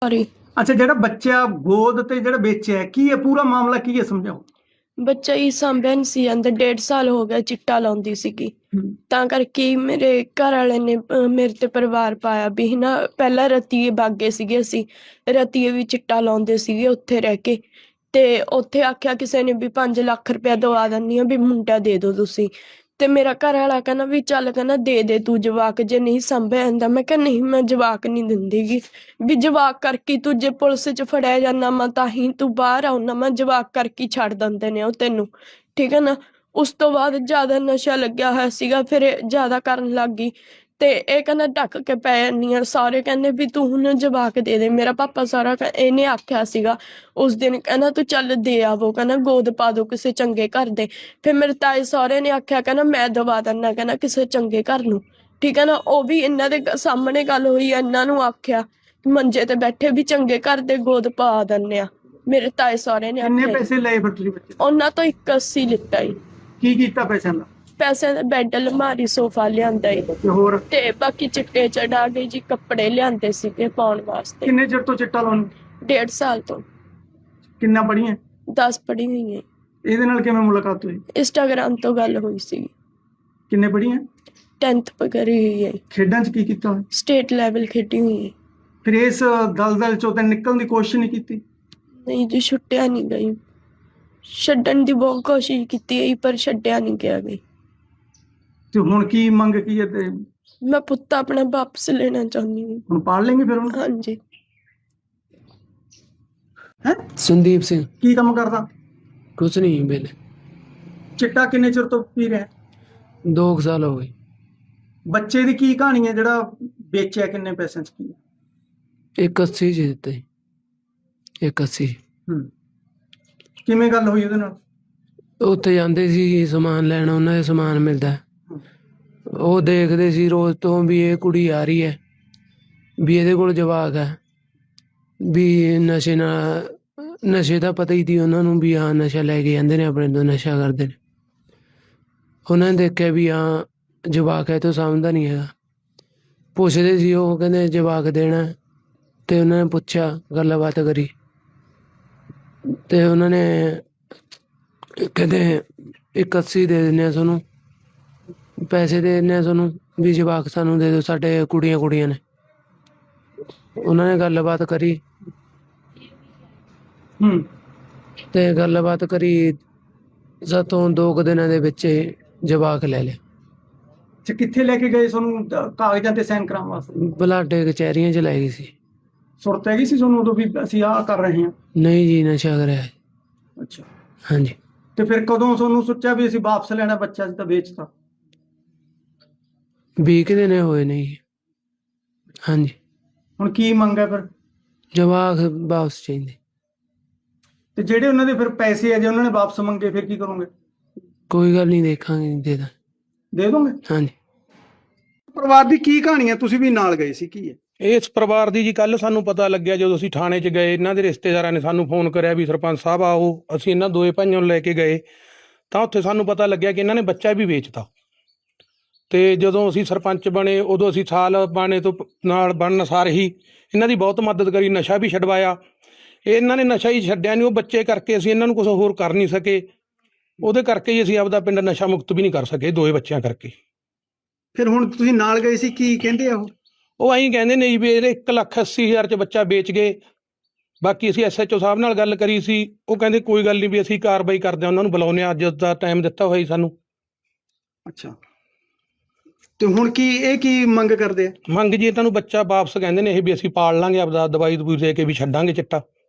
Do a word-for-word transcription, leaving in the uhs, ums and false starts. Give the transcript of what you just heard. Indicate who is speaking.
Speaker 1: Sorry.
Speaker 2: ਅੱਛਾ, ਜਿਹੜਾ ਬੱਚਾ ਗੋਦ ਤੇ ਜਿਹੜਾ ਵੇਚਿਆ ਕੀ ਹੈ, ਪੂਰਾ ਮਾਮਲਾ ਕੀ ਹੈ, ਸਮਝਾਓ।
Speaker 1: ਬੱਚਾ ਹੀ ਸਾਂਭਿਆ ਨਹੀਂ ਸੀ ਜਾਂਦਾ, ਡੇਢ ਸਾਲ ਹੋ ਗਿਆ ਚਿੱਟਾ ਲਾਉਂਦੀ ਸੀਗੀ। ਤਾਂ ਕਰਕੇ ਹੀ ਮੇਰੇ ਘਰ ਵਾਲੇ ਨੇ ਅਹ, ਮੇਰੇ ਤੇ ਪਰਿਵਾਰ ਪਾਇਆ ਵੀ ਨਾ। ਪਹਿਲਾਂ ਰਤੀਏ ਬਾਗੇ ਸੀਗੇ, ਅਸੀਂ ਰਤੀਏ ਵੀ ਚਿੱਟਾ ਲਾਉਂਦੇ ਸੀਗੇ ਉੱਥੇ ਰਹਿ ਕੇ। ਤੇ ਉੱਥੇ ਆਖਿਆ ਕਿਸੇ ਨੇ ਵੀ ਪੰਜ ਲੱਖ ਰੁਪਇਆ ਦਵਾ ਦਿੰਦੀ ਆ ਵੀ ਮੁੰਡਾ ਦੇ ਦਿਓ ਤੁਸੀਂ। ਤੇ ਮੇਰਾ ਘਰ ਵਾਲਾ ਕਹਿੰਦਾ ਵੀ ਚੱਲ, ਕਹਿੰਦਾ ਦੇ ਦੇ ਤੂੰ ਜਵਾਕ, ਜੇ ਨਹੀਂ ਸਾਂਭਿਆ ਜਾਂਦਾ। ਮੈਂ ਕਿਹਾ ਨਹੀਂ, ਮੈਂ ਜਵਾਕ ਨਹੀਂ ਦਿੰਦੀ ਗੀ। ਵੀ ਜਵਾਕ ਕਰਕੇ ਤੂੰ ਜੇ ਪੁਲਿਸ 'ਚ ਫੜਿਆ ਜਾਂਦਾ ਮੈਂ ਤਾਂ ਹੀ ਤੂੰ ਬਾਹਰ ਆਉਣਾ, ਮੈਂ ਜਵਾਕ ਕਰਕੇ ਛੱਡ ਦਿੰਦੇ ਨੇ ਉਹ ਤੈਨੂੰ, ਠੀਕ ਹੈ ਨਾ। ਉਸ ਤੋਂ ਬਾਅਦ ਜ਼ਿਆਦਾ ਨਸ਼ਾ ਲੱਗਿਆ ਹੋਇਆ ਸੀਗਾ, ਫਿਰ ਇਹ ਜ਼ਿਆਦਾ ਕਰਨ ਲੱਗ ਗਈ। ਤੇ ਇਹ ਕਹਿੰਦਾ ਢੱਕ ਕੇ ਪੈ ਜਾਂਦੀ ਆ। ਸਾਰੇ ਕਹਿੰਦੇ ਵੀ ਤੂੰ ਹੁਣ ਜਵਾਕ ਦੇ ਦੇ। ਮੇਰਾ ਪਾਪਾ ਸਾਰਾ ਕਹਿ- ਇਹਨੇ ਆਖਿਆ ਸੀਗਾ ਉਸ ਦਿਨ, ਕਹਿੰਦਾ ਤੂੰ ਚੱਲ ਦੇ ਆਵੋ, ਕਹਿੰਦਾ ਗੋਦ ਪਾ ਦੋ ਕਿਸੇ ਚੰਗੇ ਘਰ ਦੇ। ਫਿਰ ਮੇਰੇ ਤਾਏ ਸਹੁਰੇ ਨੇ ਆਖਿਆ, ਕਹਿੰਦਾ ਮੈਂ ਦਵਾ ਦਿੰਦਾ, ਕਹਿੰਦਾ ਕਿਸੇ ਚੰਗੇ ਘਰ ਨੂੰ, ਠੀਕ ਹੈ ਨਾ। ਉਹ ਵੀ ਇਹਨਾਂ ਦੇ ਗ- ਸਾਹਮਣੇ ਗੱਲ ਹੋਈ, ਇਹਨਾਂ ਨੂੰ ਆਖਿਆ ਮੰਜੇ ਤੇ ਬੈਠੇ ਵੀ ਚੰਗੇ ਘਰ ਦੇ ਗੋਦ ਪਾ ਦਿੰਦੇ ਆ। ਮੇਰੇ ਤਾਏ ਸਹੁਰੇ ਨੇ
Speaker 2: ਕਿੰਨੇ
Speaker 1: ਆਖਿਆ।
Speaker 2: ਪੈਸੇ ਲਏ ਫਿਰ ਤੁਸੀਂ ਬੱਚੇ ਤੋਂ?
Speaker 1: ਉਹਨਾਂ ਤੋਂ ਇੱਕ ਅੱਸੀ ਲਿੱਤਾ ਈ।
Speaker 2: ਕੀ ਕੀਤਾ ਪੈਸਿਆਂ ਦਾ?
Speaker 1: ਪੈਸੇ ਦਾ ਬੈੱਡ, ਅਲਮਾਰੀ, ਸੋਫਾ ਲਿਆਂਦਾ ਈ।
Speaker 2: ਤੇ ਹੋਰ
Speaker 1: ਤੇ ਬਾਕੀ ਚਿੱਟੇ ਚੜਾ ਕੇ ਜੀ ਕੱਪੜੇ ਲਿਆਂਦੇ ਸੀਗੇ ਪਾਉਣ ਵਾਸਤੇ।
Speaker 2: ਕਿੰਨੇ ਚਿਰ ਤੋਂ ਚਿੱਟਾ ਲਾਉਣ?
Speaker 1: ਡੇਢ ਸਾਲ ਤੋਂ।
Speaker 2: ਕਿੰਨਾ ਪੜੀਆਂ?
Speaker 1: ਦਸ ਪੜ੍ਹੀ ਹੋਈ ਹੈ।
Speaker 2: ਇਹਦੇ ਨਾਲ ਕਿਵੇਂ ਮੁਲਾਕਾਤ ਹੋਈ?
Speaker 1: ਇੰਸਟਾਗ੍ਰਾਮ ਤੋਂ ਗੱਲ ਹੋਈ ਸੀ।
Speaker 2: ਕਿੰਨੇ ਪੜੀਆਂ?
Speaker 1: ਟੈਂਥ ਕਰੀ ਹੋਈ ਹੈ।
Speaker 2: ਖੇਡਾਂ 'ਚ ਕੀ ਕੀਤਾ ਹੋਇਆ?
Speaker 1: ਸਟੇਟ ਲੈਵਲ ਖੇਡੀ ਹੋਈ ਹੈ।
Speaker 2: ਫਿਰ ਇਸ ਦਲਦਲ ਚੋਂ ਤਾਂ ਨਿਕਲਣ ਦੀ ਕੋਸ਼ਿਸ਼ ਨਹੀਂ ਕੀਤੀ?
Speaker 1: ਨਹੀਂ ਜੀ, ਛੁੱਟਿਆ ਨਹੀਂ ਗਈ। ਛੱਡਣ ਦੀ ਬਹੁਤ ਕੋਸ਼ਿਸ਼ ਕੀਤੀ ਹੈ ਪਰ ਛੱਡਿਆ ਨਹੀਂ ਗਿਆ ਗਈ।
Speaker 2: ਤੇ ਹੁਣ ਕੀ ਮੰਗ ਕੀ ਹੈ? ਤੇ
Speaker 1: ਮੈਂ ਪੁੱਤ ਆਪਣਾ ਵਾਪਸ ਲੈਣਾ ਚਾਹੁੰਦੀ ਹਾਂ।
Speaker 2: ਹੁਣ ਪਾਲ ਲੈਂਗੇ ਫਿਰ ਹੁਣ?
Speaker 1: ਹਾਂਜੀ।
Speaker 2: ਹੈ
Speaker 3: ਸੰਦੀਪ ਸਿੰਘ।
Speaker 2: ਕੀ ਕੰਮ ਕਰਦਾ?
Speaker 3: ਕੁਛ ਨਹੀਂ ਵੇਲੇ।
Speaker 2: ਚਿੱਟਾ ਕਿੰਨੇ ਚਿਰ ਤੋਂ ਪੀ ਰਿਹਾ?
Speaker 3: ਦੋ ਕੁ ਸਾਲ ਹੋ ਗਏ।
Speaker 2: ਬੱਚੇ ਦੀ ਕੀ ਕਹਾਣੀ ਹੈ ਜਿਹੜਾ ਵੇਚਿਆ, ਕਿੰਨੇ ਪੈਸਿਆਂ 'ਚ ਕੀ?
Speaker 3: ਇੱਕ ਅੱਸੀ ਚ ਦਿੱਤੇ। ਇੱਕ ਅੱਸੀ।
Speaker 2: ਹੂੰ, ਕਿਵੇਂ ਗੱਲ ਹੋਈ ਉਹਦੇ ਨਾਲ?
Speaker 3: ਉੱਥੇ ਜਾਂਦੇ ਸੀ ਸਮਾਨ ਲੈਣ, ਉਹਨਾਂ ਦੇ ਸਮਾਨ ਮਿਲਦਾ। ਉਹ ਦੇਖਦੇ ਸੀ ਰੋਜ਼ ਤੋਂ ਵੀ ਇਹ ਕੁੜੀ ਆ ਰਹੀ ਹੈ, ਵੀ ਇਹਦੇ ਕੋਲ ਜਵਾਕ ਹੈ, ਵੀ ਨਸ਼ੇ ਨਾਲ, ਨਸ਼ੇ ਦਾ ਪਤਾ ਹੀ ਸੀ ਉਹਨਾਂ ਨੂੰ ਵੀ ਹਾਂ ਨਸ਼ਾ ਲੈ ਕੇ ਜਾਂਦੇ ਨੇ ਆਪਣੇ ਤੋਂ, ਨਸ਼ਾ ਕਰਦੇ ਨੇ। ਉਹਨਾਂ ਨੇ ਦੇਖਿਆ ਵੀ ਹਾਂ ਜਵਾਕ ਹੈ ਤੋਂ ਸਮਝਦਾ ਨਹੀਂ ਹੈਗਾ। ਪੁੱਛਦੇ ਸੀ ਉਹ, ਕਹਿੰਦੇ ਜਵਾਕ ਦੇਣਾ। ਤੇ ਉਹਨਾਂ ਨੇ ਪੁੱਛਿਆ, ਗੱਲਬਾਤ ਕਰੀ, ਤੇ ਉਹਨਾਂ ਨੇ ਕਹਿੰਦੇ ਇੱਕ ਅੱਸੀ ਦੇ ਦਿੰਦੇ ਆ ਤੁਹਾਨੂੰ, ਪੈਸੇ ਦੇ ਦਿੰਦੇ ਆ ਤੁਹਾਨੂੰ, ਵੀ ਜਵਾਕ ਸਾਨੂੰ ਦੇ ਦਿਓ, ਸਾਡੇ ਕੁੜੀਆਂ ਕੁੜੀਆਂ ਨੇ। ਉਹਨਾਂ ਨੇ ਗੱਲਬਾਤ ਕਰੀ।
Speaker 2: ਹੂੰ,
Speaker 3: ਤੇ ਗੱਲਬਾਤ ਕਰੀ ਸਾਤੋਂ ਦੋ ਕੁ ਦਿਨਾਂ ਦੇ ਵਿੱਚ ਹੀ ਜਵਾਕ ਲੈ ਲਿਆ।
Speaker 2: ਅੱਛਾ, ਕਿੱਥੇ ਲੈ ਕੇ ਗਏ ਤੁਹਾਨੂੰ ਦ- ਕਾਗਜ਼ਾਂ ਤੇ ਸਾਈਨ ਕਰਾਉਣ ਵਾਸਤੇ?
Speaker 3: ਬਲਾਡੇ ਕਚਹਿਰੀਆਂ ਚ ਲੈ ਗਈ ਸੀ।
Speaker 2: ਸੁਰਤ ਹੈਗੀ ਸੀ ਤੁਹਾਨੂੰ ਉਦੋਂ ਵੀ ਅਸੀਂ ਆਹ ਕਰ ਰਹੇ ਹਾਂ?
Speaker 3: ਨਹੀਂ ਜੀ, ਨਸ਼ਾ ਕਰਿਆ।
Speaker 2: ਅੱਛਾ,
Speaker 3: ਹਾਂਜੀ।
Speaker 2: ਤੇ ਫਿਰ ਕਦੋਂ ਤੁਹਾਨੂੰ ਸੋਚਿਆ ਵੀ ਅਸੀਂ ਵਾਪਸ ਲੈਣਾ ਬੱਚਾ, ਅਸੀਂ ਤਾਂ ਵੇਚਤਾ?
Speaker 3: ਵੀਹ ਕੁ ਦਿਨ ਹੋਏ ਨੇ ਜੀ। ਹਾਂਜੀ।
Speaker 2: ਹੁਣ ਕੀ ਮੰਗ ਹੈ ਫਿਰ?
Speaker 3: ਜਵਾਕ ਵਾਪਸ ਚਾਹੀਦੇ।
Speaker 2: ਤੇ ਜਿਹੜੇ ਉਹਨਾਂ ਦੇ ਫਿਰ ਪੈਸੇ ਆ, ਜੇ ਉਹਨਾਂ ਨੇ ਵਾਪਸ ਮੰਗੇ ਫਿਰ ਕੀ ਕਰੋਗੇ?
Speaker 3: ਕੋਈ ਗੱਲ ਨਹੀਂ, ਦੇਖਾਂਗੇ, ਦੇ ਦਾਂ।
Speaker 2: ਦੇ ਦੋਗੇ?
Speaker 3: ਹਾਂਜੀ।
Speaker 2: ਪਰਿਵਾਰ ਦੀ ਕੀ ਕਹਾਣੀ ਹੈ? ਤੁਸੀਂ ਵੀ ਨਾਲ ਗਏ ਸੀ, ਕੀ ਹੈ?
Speaker 4: ਇਸ ਪਰਿਵਾਰ ਦੀ ਜੀ ਕੱਲ ਸਾਨੂੰ ਪਤਾ ਲੱਗਿਆ ਜਦੋਂ ਅਸੀਂ ਥਾਣੇ 'ਚ ਗਏ। ਇਹਨਾਂ ਦੇ ਰਿਸ਼ਤੇਦਾਰਾਂ ਨੇ ਸਾਨੂੰ ਫੋਨ ਕਰਿਆ ਵੀ ਸਰਪੰਚ ਸਾਹਿਬ ਆਓ। ਅਸੀਂ ਇਹਨਾਂ ਦੋਏ ਭਾਈਆਂ ਨੂੰ ਲੈ ਕੇ ਗਏ ਤਾਂ ਉੱਥੇ ਸਾਨੂੰ ਪਤਾ ਲੱਗਿਆ ਕਿ ਇਹਨਾਂ ਨੇ ਬੱਚਾ ਵੀ ਵੇਚਤਾ। ਤੇ ਜਦੋਂ ਅਸੀਂ ਸਰਪੰਚ ਬਣੇ ਉਦੋਂ ਅਸੀਂ ਸਾਲ ਬਾਣੇ ਤੋਂ ਪ- ਨਾਲ ਬਣਨ ਸਾਰ ਹੀ ਇਹਨਾਂ ਦੀ ਬਹੁਤ ਮਦਦ ਕਰੀ, ਨਸ਼ਾ ਵੀ ਛਡਵਾਇਆ। ਇਹਨਾਂ ਨੇ ਨਸ਼ਾ ਹੀ ਛੱਡਿਆ ਨਹੀਂ, ਉਹ ਬੱਚੇ ਕਰਕੇ ਅਸੀਂ ਇਹਨਾਂ ਨੂੰ ਕੁਝ ਹੋਰ ਕਰ ਨਹੀਂ ਸਕੇ। ਉਹਦੇ ਕਰਕੇ ਹੀ ਅਸੀਂ ਆਪਦਾ ਪਿੰਡ ਨਸ਼ਾ ਮੁਕਤ ਵੀ ਨਹੀਂ ਕਰ ਸਕੇ, ਦੋਏ ਬੱਚਿਆਂ ਕਰਕੇ।
Speaker 2: ਫਿਰ ਹੁਣ ਤੁਸੀਂ ਨਾਲ ਗਏ ਸੀ, ਕੀ ਕਹਿੰਦੇ ਆ ਉਹ?
Speaker 4: ਉਹ ਐਂ ਕਹਿੰਦੇ ਨੇ ਜੀ ਵੀ ਇਹਦੇ ਇੱਕ ਲੱਖ ਅੱਸੀ ਹਜ਼ਾਰ 'ਚ ਬੱਚਾ ਵੇਚ ਗਏ। ਬਾਕੀ ਅਸੀਂ ਐਸ ਐਚ ਓ ਸਾਹਿਬ ਨਾਲ ਗੱਲ ਕਰੀ ਸੀ, ਉਹ ਕਹਿੰਦੇ ਕੋਈ ਗੱਲ ਨਹੀਂ ਵੀ ਅਸੀਂ ਕਾਰਵਾਈ ਕਰਦੇ ਹਾਂ, ਉਹਨਾਂ ਨੂੰ ਬੁਲਾਉਂਦੇ ਹਾਂ, ਅੱਜ ਦਾ ਟਾਈਮ ਦਿੱਤਾ ਹੋਇਆ ਜੀ ਸਾਨੂੰ।
Speaker 2: ਅੱਛਾ, ਤੇ ਹੁਣ ਕੀ ਇਹ ਕੀ ਮੰਗ ਕਰਦੇ ਆ?
Speaker 4: ਮੰਗ ਜੀ ਇਹਨਾਂ ਨੂੰ ਬੱਚਾ ਵਾਪਸ ਕਹਿੰਦੇ ਨੇ ਇਹ ਵੀ ਅਸੀਂ ਪਾਲ ਲਾਂਗੇ, ਆਪਦਾ ਦਵਾਈ ਦਵੂਈ ਦੇ ਕੇ ਵੀ ਛੱਡਾਂਗੇ ਚਿੱਟਾ।